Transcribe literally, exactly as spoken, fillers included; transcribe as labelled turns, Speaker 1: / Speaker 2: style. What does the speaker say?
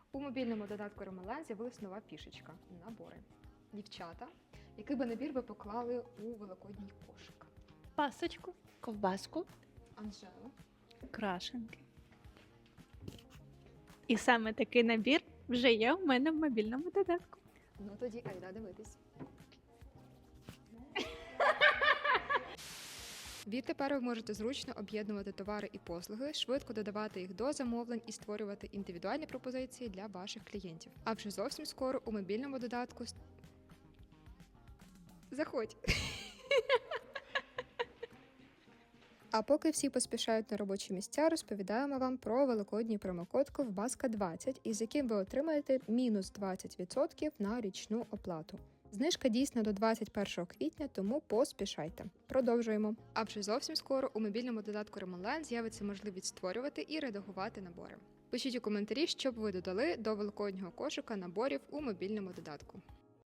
Speaker 1: У мобільному додатку Ромален з'явилась нова фішечка – набори. Дівчата, який би набір ви поклали у великодній кошик?
Speaker 2: Пасочку, ковбаску,
Speaker 1: Анжела.
Speaker 2: крашенки. І саме такий набір вже є у мене в мобільному додатку.
Speaker 1: Ну тоді айда дивитись. Відтепер ви можете зручно об'єднувати товари і послуги, швидко додавати їх до замовлень і створювати індивідуальні пропозиції для ваших клієнтів. А вже зовсім скоро у мобільному додатку с- Заходь! А поки всі поспішають на робочі місця, розповідаємо вам про великодній промокод ковбаска двадцять, із яким ви отримаєте мінус двадцять відсотків на річну оплату. Знижка дійсна до двадцять першого квітня, тому поспішайте. Продовжуємо. А вже зовсім скоро у мобільному додатку Ромален з'явиться можливість створювати і редагувати набори. Пишіть у коментарі, що б ви додали до великоднього кошика наборів у мобільному додатку.